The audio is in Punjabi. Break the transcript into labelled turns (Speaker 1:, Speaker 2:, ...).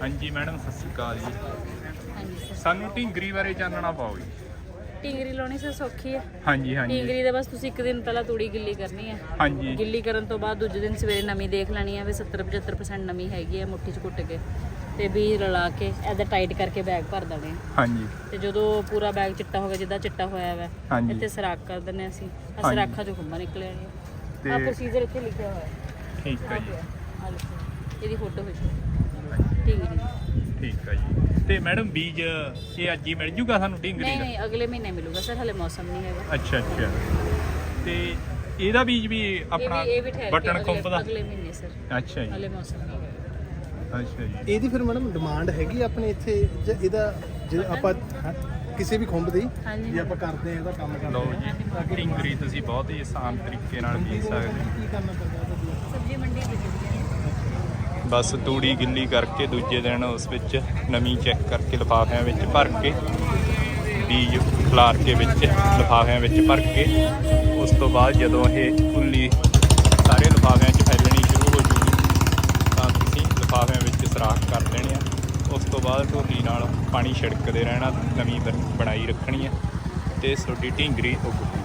Speaker 1: ਹਾਂਜੀ ਮੈਡਮ ਸਤਿ ਸ਼੍ਰੀ ਅਕਾਲ ਜੀ।
Speaker 2: ਹਾਂਜੀ ਸਰ।
Speaker 1: ਸਾਨੂੰ ਢਿੰਗਰੀ ਬਾਰੇ ਚਾਨਣਾ ਪਾਓ ਜੀ।
Speaker 2: ਢਿੰਗਰੀ ਲਾਉਣੀ ਸਰ ਸੌਖੀ ਹੈ।
Speaker 1: ਹਾਂਜੀ ਹਾਂਜੀ
Speaker 2: ਢਿੰਗਰੀ ਦੇ ਬਸ ਤੁਸੀਂ ਇੱਕ ਦਿਨ ਪਹਿਲਾਂ ਤੂੜੀ ਗਿੱਲੀ ਕਰਨੀ ਹੈ।
Speaker 1: ਹਾਂਜੀ
Speaker 2: ਗਿੱਲੀ ਕਰਨ ਤੋਂ ਬਾਅਦ ਦੂਜੇ ਦਿਨ ਸਵੇਰੇ ਨਮੀ ਦੇਖ ਲੈਣੀ ਹੈ ਵੀ 70-75% ਨਮੀ ਹੈਗੀ ਹੈ ਮੁੱਠੀ 'ਚ ਕੁੱਟ ਕੇ, ਤੇ ਬੀਜ ਰਲਾ ਕੇ ਇੱਦਾਂ ਟਾਈਟ ਕਰਕੇ ਬੈਗ ਭਰ ਦੇਣੇ ਆ।
Speaker 1: ਹਾਂਜੀ
Speaker 2: ਤੇ ਜਦੋਂ ਪੂਰਾ ਬੈਗ ਚਿੱਟਾ ਹੋ ਗਿਆ, ਜਿੱਦਾਂ ਚਿੱਟਾ ਹੋਇਆ ਵਾ
Speaker 1: ਹਾਂਜੀ।
Speaker 2: ਇੱਥੇ ਸਰਾਖ ਕਰ ਦਿੰਦੇ ਅਸੀਂ।
Speaker 1: ਹਾਂਜੀ।
Speaker 2: ਸਰਾਖਾਂ 'ਚੋਂ ਖੰਭਾਂ ਨਿਕਲ ਆਣੀਆਂ।
Speaker 1: ਤੇ
Speaker 2: ਆਹ ਪ੍ਰੋਸੀਜਰ ਇੱਥੇ ਲਿਖਿਆ ਹੋਇਆ
Speaker 1: ਠੀਕ ਹੈ ਜੀ।
Speaker 2: ਆਹ ਲਿਖਿਆ, ਇਹਦੀ ਫੋਟੋ ਵਿੱਚ ਢਿੰਗਰੀ ਦੀ।
Speaker 1: ਠੀਕ ਹੈ ਜੀ। ਤੇ ਮੈਡਮ ਬੀਜ ਇਹ ਅੱਜ ਹੀ ਮਿਲ ਜੂਗਾ ਸਾਨੂੰ ਢਿੰਗਰੀ
Speaker 2: ਨਹੀਂ
Speaker 1: ਦਾ?
Speaker 2: ਨਹੀਂ, ਅਗਲੇ ਮਹੀਨੇ ਮਿਲੂਗਾ ਸਰ, ਹਲੇ ਮੌਸਮ ਨਹੀਂ ਹੈਗਾ।
Speaker 1: ਅੱਛਾ ਅੱਛਾ। ਤੇ ਇਹਦਾ ਬੀਜ ਵੀ ਆਪਣਾ
Speaker 2: ਇਹ ਵੀ ਠਹਿਰ ਕੇ
Speaker 1: ਬਟਨ ਖੁੰਭ ਦਾ?
Speaker 2: ਅਗਲੇ ਮਹੀਨੇ ਸਰ,
Speaker 1: ਅੱਛਾ ਜੀ।
Speaker 2: ਹਲੇ ਮੌਸਮ ਨਹੀਂ ਹੈਗਾ।
Speaker 1: ਅੱਛਾ ਜੀ।
Speaker 3: ਇਹਦੀ ਫਿਰ ਮੈਡਮ ਡਿਮਾਂਡ ਹੈਗੀ ਆ ਆਪਣੇ ਇੱਥੇ ਜਾਂ ਇਹਦਾ ਜੇ ਆਪਾਂ ਕਿਸੇ ਵੀ ਖੁੰਭ ਦੀ
Speaker 2: ਹਾਂਜੀ।
Speaker 3: ਜੇ ਆਪਾਂ ਕਰਦੇ ਆ ਇਹਦਾ ਕੰਮ ਕਰਦੇ
Speaker 1: ਲਓ ਜੀ, ਢਿੰਗਰੀ ਤੁਸੀਂ ਬਹੁਤ ਹੀ ਆਸਾਨ ਤਰੀਕੇ ਨਾਲ ਬੀਜ ਸਕਦੇ ਹੋ।
Speaker 3: ਕੀ ਕਰਨਾ ਪੈਂਦਾ ਇਹਦਾ?
Speaker 2: ਸਬਜ਼ੀ ਮੰਡੀ ਵਿਕਦੀ ਹੈ।
Speaker 1: ਬਸ ਤੂੜੀ ਗਿੱਲੀ ਕਰਕੇ ਦੂਜੇ ਦਿਨ ਉਸ ਵਿੱਚ ਨਮੀ ਚੈੱਕ ਕਰਕੇ ਲਿਫਾਫਿਆਂ ਵਿੱਚ ਭਰ ਕੇ ਬੀਜ ਖਿਲਾਰ ਕੇ ਵਿੱਚ ਲਿਫਾਫਿਆਂ ਵਿੱਚ ਭਰ ਕੇ ਉਸ ਤੋਂ ਬਾਅਦ ਜਦੋਂ ਇਹ ਉੱਲੀ ਸਾਰੇ ਲਿਫਾਫਿਆਂ 'ਚ ਫੈਲਣੀ ਸ਼ੁਰੂ ਹੋ ਜੂਗੀ ਤਾਂ ਤੁਸੀਂ ਲਿਫਾਫਿਆਂ ਵਿੱਚ ਸਰਾਖ ਕਰ ਦੇਣੇ ਆ। ਉਸ ਤੋਂ ਬਾਅਦ ਢੋਲੀ ਨਾਲ ਪਾਣੀ ਛਿੜਕਦੇ ਰਹਿਣਾ, ਨਮੀ ਬਣਾਈ ਰੱਖਣੀ ਹੈ ਤੇ ਤੁਹਾਡੀ ਢਿੰਗਰੀ ਉੱਗ